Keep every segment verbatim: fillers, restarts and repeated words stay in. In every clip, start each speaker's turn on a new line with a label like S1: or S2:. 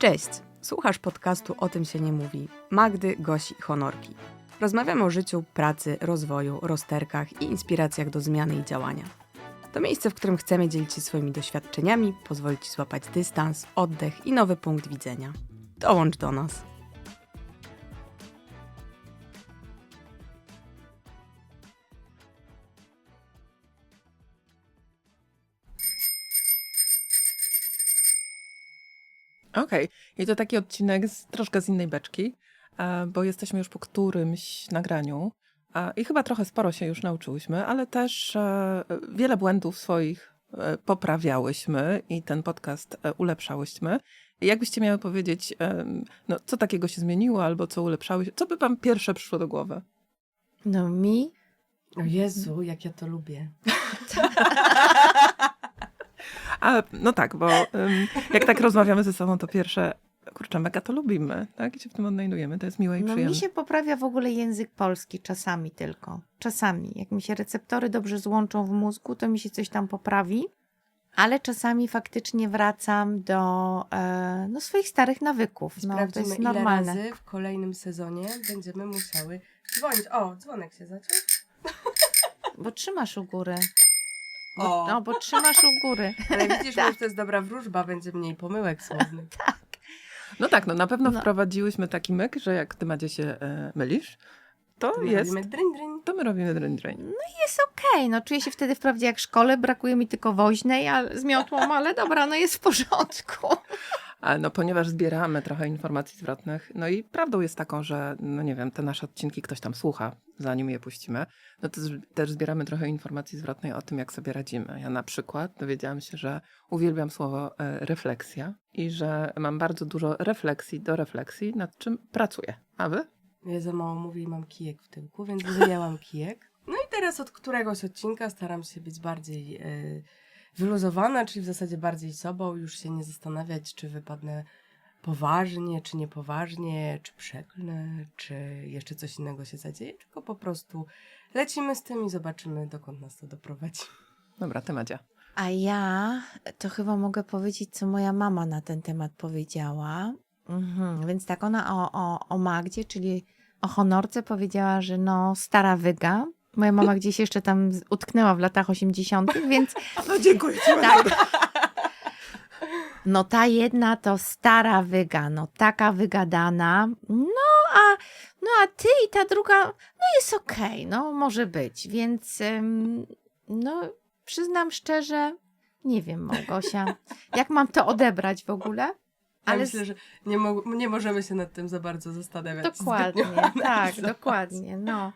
S1: Cześć! Słuchasz podcastu O tym się nie mówi. Magdy, Gosi i Honorki. Rozmawiamy o życiu, pracy, rozwoju, rozterkach i inspiracjach do zmiany i działania. To miejsce, w którym chcemy dzielić się swoimi doświadczeniami, pozwolić Ci złapać dystans, oddech i nowy punkt widzenia. Dołącz do nas!
S2: Okej, i to taki odcinek z, troszkę z innej beczki, e, bo jesteśmy już po którymś nagraniu e, i chyba trochę sporo się już nauczyłyśmy, ale też e, wiele błędów swoich e, poprawiałyśmy i ten podcast e, ulepszałyśmy. I jakbyście miały powiedzieć, e, no, co takiego się zmieniło albo co ulepszałyście, co by wam pierwsze przyszło do głowy?
S3: No mi?
S1: O Jezu, jak ja to lubię.
S2: A, no tak, bo ym, jak tak rozmawiamy ze sobą, to pierwsze, kurczę, mega to lubimy, tak? I się w tym odnajdujemy, to jest miłe i
S3: No
S2: przyjemne.
S3: mi się poprawia w ogóle język polski czasami tylko. Czasami. Jak mi się receptory dobrze złączą w mózgu, to mi się coś tam poprawi. Ale czasami faktycznie wracam do e, no, swoich starych nawyków. No, to
S4: Sprawdzimy,
S3: jest
S4: ile
S3: normalne.
S4: razy w kolejnym sezonie będziemy musiały dzwonić. O, dzwonek się zaczął.
S3: Bo trzymasz u góry. Bo,
S4: O.
S3: no, bo trzymasz u góry.
S4: Ale widzisz,
S3: Tak.
S4: że to jest dobra wróżba, będzie mniej pomyłek słownych.
S2: No tak, no na pewno
S3: No.
S2: wprowadziłyśmy taki myk, że jak ty, Madzie, się e, mylisz, to
S4: To my
S2: jest,
S4: robimy dryń, dryń.
S2: to my robimy dreń, dreń.
S3: Jest okej, no czuję się wtedy wprawdzie jak w szkole, brakuje mi tylko woźnej a, z miotłą, ale dobra, no jest w porządku.
S2: Ale no ponieważ zbieramy trochę informacji zwrotnych, no i prawdą jest taką, że no nie wiem, te nasze odcinki ktoś tam słucha, zanim je puścimy, no to z- też zbieramy trochę informacji zwrotnej o tym, jak sobie radzimy. Ja na przykład dowiedziałam się, że uwielbiam słowo e, refleksja i że mam bardzo dużo refleksji do refleksji, nad czym pracuję. A wy?
S4: Ja za mało mówię i mam kijek w tyłku, więc wyjęłam kijek. No i teraz od któregoś odcinka staram się być bardziej e, wyluzowana, czyli w zasadzie bardziej sobą, już się nie zastanawiać, czy wypadnę poważnie, czy niepoważnie, czy przeklnę, czy jeszcze coś innego się zadzieje, tylko po prostu lecimy z tym i zobaczymy, dokąd nas to doprowadzi.
S2: Dobra, ty, Madzia.
S3: A ja to chyba mogę powiedzieć, co moja mama na ten temat powiedziała. Mhm. Więc tak, ona o, o, o Magdzie, czyli o Honorce powiedziała, że no stara wyga. Moja mama gdzieś jeszcze tam z- utknęła w latach osiemdziesiątych, więc
S2: No dziękuję ci.
S3: tak. No ta jedna to stara wyga, no taka wygadana. No a, no a ty i ta druga, no jest okej, no może być. Więc ym, no przyznam szczerze, nie wiem, Małgosia, jak mam to odebrać w ogóle?
S4: Ale
S3: Ale
S4: myślę, że nie, mo- nie możemy się nad tym za bardzo zastanawiać.
S3: dokładnie,
S4: zbytnio.
S3: tak, dokładnie, no.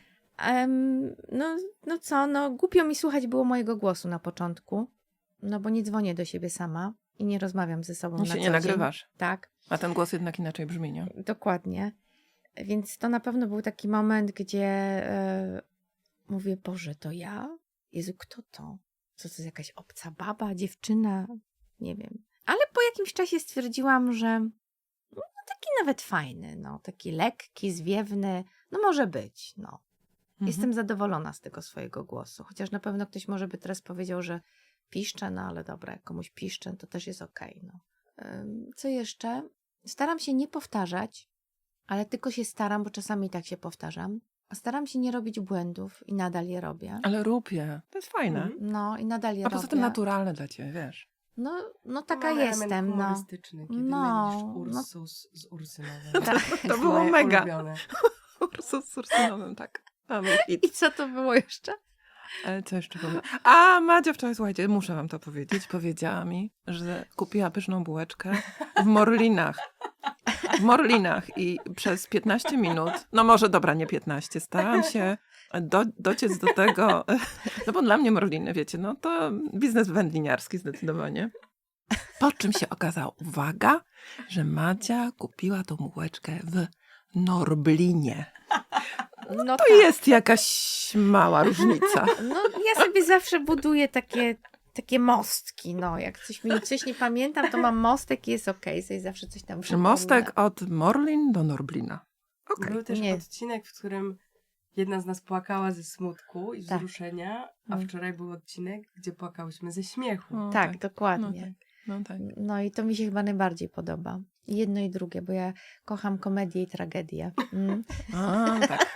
S3: Em, no. No co, no głupio mi słuchać było mojego głosu na początku, no bo nie dzwonię do siebie sama i nie rozmawiam ze sobą
S2: I
S3: na
S2: się
S3: co
S2: nie
S3: dzień.
S2: nagrywasz.
S3: Tak,
S2: A ten głos jednak inaczej brzmi, nie?
S3: dokładnie. Więc to na pewno był taki moment, gdzie e, mówię, Boże, to ja? Jezu, kto to? Co to jest jakaś obca baba, dziewczyna? Nie wiem. Ale po jakimś czasie stwierdziłam, że no, taki nawet fajny, no, taki lekki, zwiewny, no może być, no.
S2: Mhm.
S3: Jestem zadowolona z tego swojego głosu. Chociaż na pewno ktoś może by teraz powiedział, że piszczę, no ale dobra, jak komuś piszczę, to też jest okej. No. Ym, Co jeszcze? Staram się nie powtarzać, ale tylko się staram, bo czasami tak się powtarzam. A staram się nie robić błędów i nadal je robię.
S2: Ale rób je. To jest fajne.
S4: Mhm.
S3: No i nadal je
S2: A poza
S3: robię.
S2: tym naturalne dla ciebie, wiesz.
S3: No, no taka
S4: Mamy element
S3: jestem, no.
S4: humorystyczny, kiedy
S3: No,
S4: mylisz
S3: no.
S4: Ursus z Ursynowem.
S3: Tak.
S2: To było
S4: Moje
S2: mega.
S4: ulubione.
S2: Ursus z Ursynowym, tak. Mamy hit.
S3: I co to było jeszcze?
S2: Ale co jeszcze powiem? A, Madzia wczoraj, słuchajcie, muszę wam to powiedzieć, powiedziała mi, że kupiła pyszną bułeczkę w Morlinach. W Morlinach i przez piętnaście minut, no może dobra, nie piętnaście, starałam się do, dociec do tego, no bo dla mnie Morliny, wiecie, no to biznes wędliniarski zdecydowanie. Po czym się okazało, uwaga, że Madzia kupiła tą bułeczkę w Norblinie.
S3: No
S2: To jest jakaś mała różnica.
S3: No ja sobie zawsze buduję takie, takie mostki, no jak coś mi coś nie pamiętam, to mam mostek i jest okej, sobie zawsze coś tam przypomnę.
S2: Mostek od Morlin do Norblina. Okej.
S4: Był też
S3: Nie.
S4: odcinek, w którym jedna z nas płakała ze smutku i
S3: Tak.
S4: wzruszenia, a
S3: Mm.
S4: wczoraj był odcinek, gdzie płakałyśmy ze śmiechu.
S2: O,
S3: Tak,
S2: tak.
S3: dokładnie.
S2: No tak. No tak.
S3: No i to mi się chyba najbardziej podoba. Jedno i drugie, bo ja kocham komedię i tragedię. Mm.
S2: A, tak.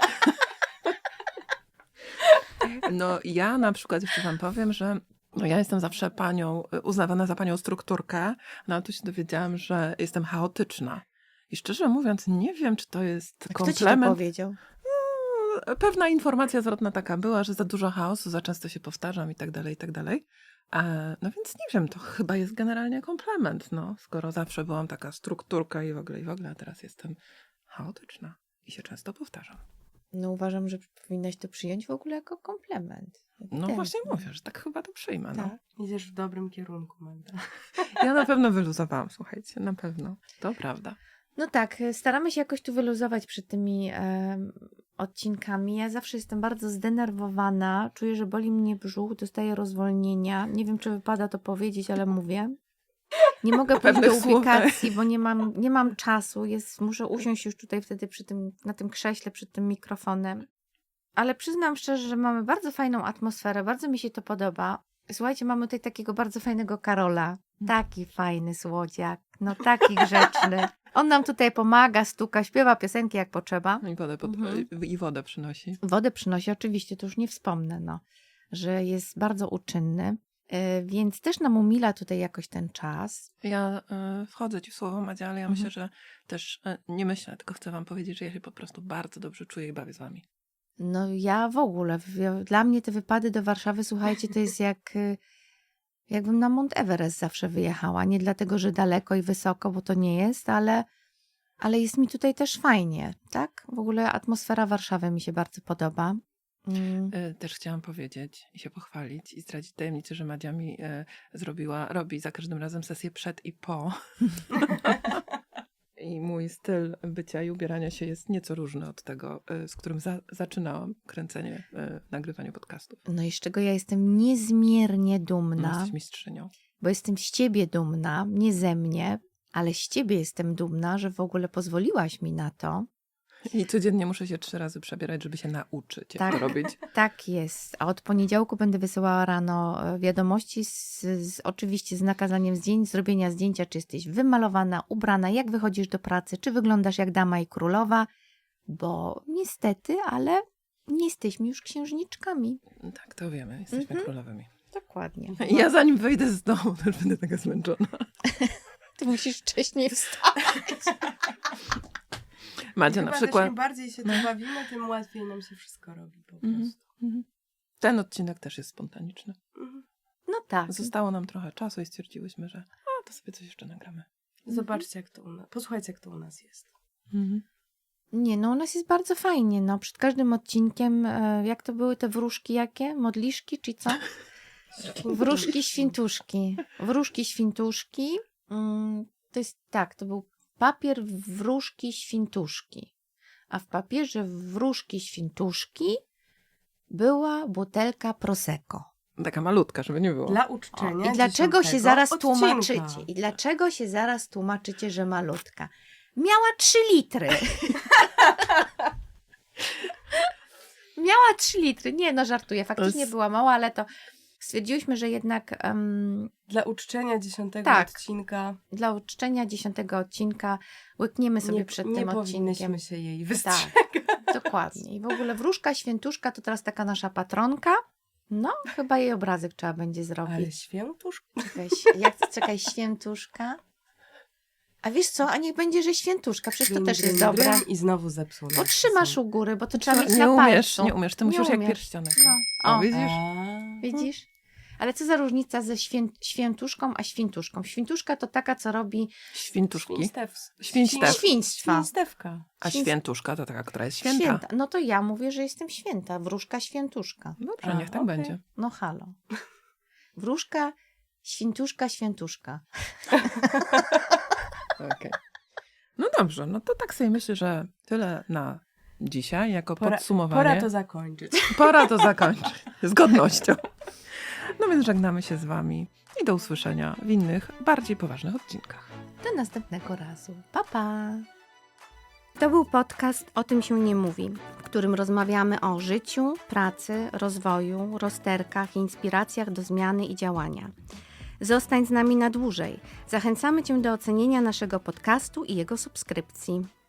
S2: No ja na przykład jeszcze wam powiem, że no ja jestem zawsze panią, uznawana za panią strukturkę, no ale tu się dowiedziałam, że jestem chaotyczna. I szczerze mówiąc, nie wiem, czy to jest
S3: A kto ci to
S2: komplement.
S3: powiedział?
S2: No, pewna informacja zwrotna taka była, że za dużo chaosu, za często się powtarzam i tak dalej, i tak dalej. E, no więc nie wiem, to chyba jest generalnie komplement, no, skoro zawsze byłam taka strukturka i w ogóle, i w ogóle, a teraz jestem chaotyczna i się często powtarzam.
S3: No uważam, że powinnaś to przyjąć w ogóle jako komplement.
S2: No
S3: Ewidentnie.
S2: właśnie mówię, że tak chyba to przyjmę. No.
S3: Tak.
S4: Idziesz w dobrym kierunku, Magda.
S2: Ja na pewno wyluzowałam, słuchajcie, na pewno. To prawda.
S3: No tak, staramy się jakoś tu wyluzować przed tymi em, odcinkami. Ja zawsze jestem bardzo zdenerwowana, czuję, że boli mnie brzuch, dostaję rozwolnienia. Nie wiem, czy wypada to powiedzieć, ale mówię. Nie mogę pójść
S2: Pewnych
S3: do
S2: słów.
S3: ubikacji, bo nie mam, nie mam czasu. Jest, muszę usiąść już tutaj wtedy przy tym, na tym krześle, przed tym mikrofonem. Ale przyznam szczerze, że mamy bardzo fajną atmosferę, bardzo mi się to podoba. Słuchajcie, mamy tutaj takiego bardzo fajnego Karola. Taki fajny słodziak, no taki grzeczny. On nam tutaj pomaga, stuka, śpiewa piosenki jak potrzeba.
S2: I wodę, pod...
S3: Mhm.
S2: I wodę przynosi.
S3: Wodę przynosi, oczywiście, to już nie wspomnę, no, że jest bardzo uczynny, yy, więc też nam umila tutaj jakoś ten czas.
S2: Ja y, wchodzę ci w słowo, Madzia, ale ja
S3: Mhm.
S2: myślę, że też y, nie myślę, tylko chcę wam powiedzieć, że ja się po prostu bardzo dobrze czuję i bawię z wami.
S3: No ja w ogóle, w- dla mnie te wypady do Warszawy, słuchajcie, to jest jak, y, jakbym na Mount Everest zawsze wyjechała. Nie dlatego, że daleko i wysoko, bo to nie jest, ale, ale jest mi tutaj też fajnie, tak? W ogóle atmosfera Warszawy mi się bardzo podoba. Mm.
S2: Y, Też chciałam powiedzieć i się pochwalić i zdradzić tajemnicę, że Madzia mi y, zrobiła, robi za każdym razem sesję przed i po. I mój styl bycia i ubierania się jest nieco różny od tego, y, z którym za, zaczynałam kręcenie, y, nagrywanie podcastów.
S3: No i z czego ja jestem niezmiernie
S2: No,
S3: dumna,
S2: jesteś mistrzynią.
S3: bo jestem z ciebie dumna, nie ze mnie, ale z ciebie jestem dumna, że w ogóle pozwoliłaś mi na to.
S2: I codziennie muszę się trzy razy przebierać, żeby się nauczyć, jak
S3: Tak.
S2: to robić.
S3: Tak jest. A od poniedziałku będę wysyłała rano e, wiadomości, z, z, oczywiście z nakazaniem zdjęć, zrobienia zdjęcia, czy jesteś wymalowana, ubrana, jak wychodzisz do pracy, czy wyglądasz jak dama i królowa, bo niestety, ale nie jesteśmy już księżniczkami.
S2: Tak, to wiemy, jesteśmy
S3: Mhm.
S2: królowymi.
S3: Dokładnie.
S2: I ja zanim wyjdę z domu, to już będę taka zmęczona.
S3: Ty musisz wcześniej wstać.
S2: Madzia
S4: Chyba
S2: na
S4: też
S2: przykład...
S4: im bardziej się tu bawimy, tym łatwiej nam się wszystko robi po
S2: Mhm.
S4: prostu.
S2: Mhm. Ten odcinek też jest spontaniczny.
S4: Mhm.
S3: No tak.
S2: Zostało nam trochę czasu i stwierdziłyśmy, że a, to sobie coś jeszcze nagramy.
S4: Zobaczcie, jak to u nas. Posłuchajcie, jak to u nas jest.
S2: Mhm.
S3: Nie, no u nas jest bardzo fajnie. No, przed każdym odcinkiem, e, jak to były te wróżki jakie? Modliszki czy co? Wróżki, świntuszki. Wróżki, świntuszki. Mm, to jest tak, to był papier wróżki, świntuszki. A w papierze wróżki, świntuszki była butelka Prosecco.
S2: Taka malutka, żeby nie było.
S4: Dla
S3: O,
S4: uczczenia
S3: I dlaczego się
S4: dziesiątego
S3: zaraz
S4: odcinka.
S3: tłumaczycie? I dlaczego się zaraz tłumaczycie, że malutka? Miała trzy litry. Miała trzy litry. Nie, no żartuję. Faktycznie
S2: To z-
S3: była mała, ale to stwierdziłyśmy, że jednak em,
S4: Dla uczczenia dziesiątego
S3: Tak.
S4: odcinka
S3: dla uczczenia dziesiątego odcinka łykniemy sobie
S4: nie,
S3: przed
S4: nie
S3: tym
S4: powinnyśmy
S3: odcinkiem.
S4: się jej
S3: Tak,
S4: wystrzegać.
S3: dokładnie. I w ogóle wróżka, świętuszka to teraz taka nasza patronka. No, chyba jej obrazek trzeba będzie
S4: Ale
S3: zrobić.
S4: świętusz?
S3: Czekaj, jak, czekaj, świętuszka. A wiesz co, a niech będzie, że świętuszka, przecież to
S4: Grym,
S3: też jest
S4: grym,
S3: dobre.
S4: grym I znowu zepsuł. nam
S3: Potrzymasz
S4: piosenkę.
S3: u góry, bo to trzeba mieć
S2: nie
S3: na
S2: umiesz,
S3: palcu.
S2: nie umiesz. Ty
S3: Nie
S2: musisz jak
S3: umiesz.
S2: pierścionek.
S3: No.
S2: O,
S3: O,
S2: widzisz?
S4: A.
S3: widzisz? Ale co za różnica ze świę, świętuszką a świntuszką? Świntuszka to taka, co robi
S2: Świntuszki.
S4: Świnstew.
S2: Świnstew.
S3: świństwa.
S4: Świnstewka.
S2: A
S3: Świn-
S2: świętuszka to taka, która jest święta.
S3: No to ja mówię, że jestem święta. Wróżka, świętuszka.
S2: Dobrze,
S4: A,
S2: niech tak
S4: okej.
S2: będzie.
S3: No halo. Wróżka, świntuszka, świętuszka.
S2: Okej. No dobrze, no to tak sobie myślę, że tyle na dzisiaj jako
S4: Pora,
S2: podsumowanie.
S4: pora to zakończyć.
S2: Pora to zakończyć. Z godnością. No więc żegnamy się z wami i do usłyszenia w innych, bardziej poważnych odcinkach.
S3: Do następnego razu. Pa, pa. To był podcast O tym się nie mówi, w którym rozmawiamy o życiu, pracy, rozwoju, rozterkach, inspiracjach do zmiany i działania. Zostań z nami na dłużej. Zachęcamy Cię do ocenienia naszego podcastu i jego subskrypcji.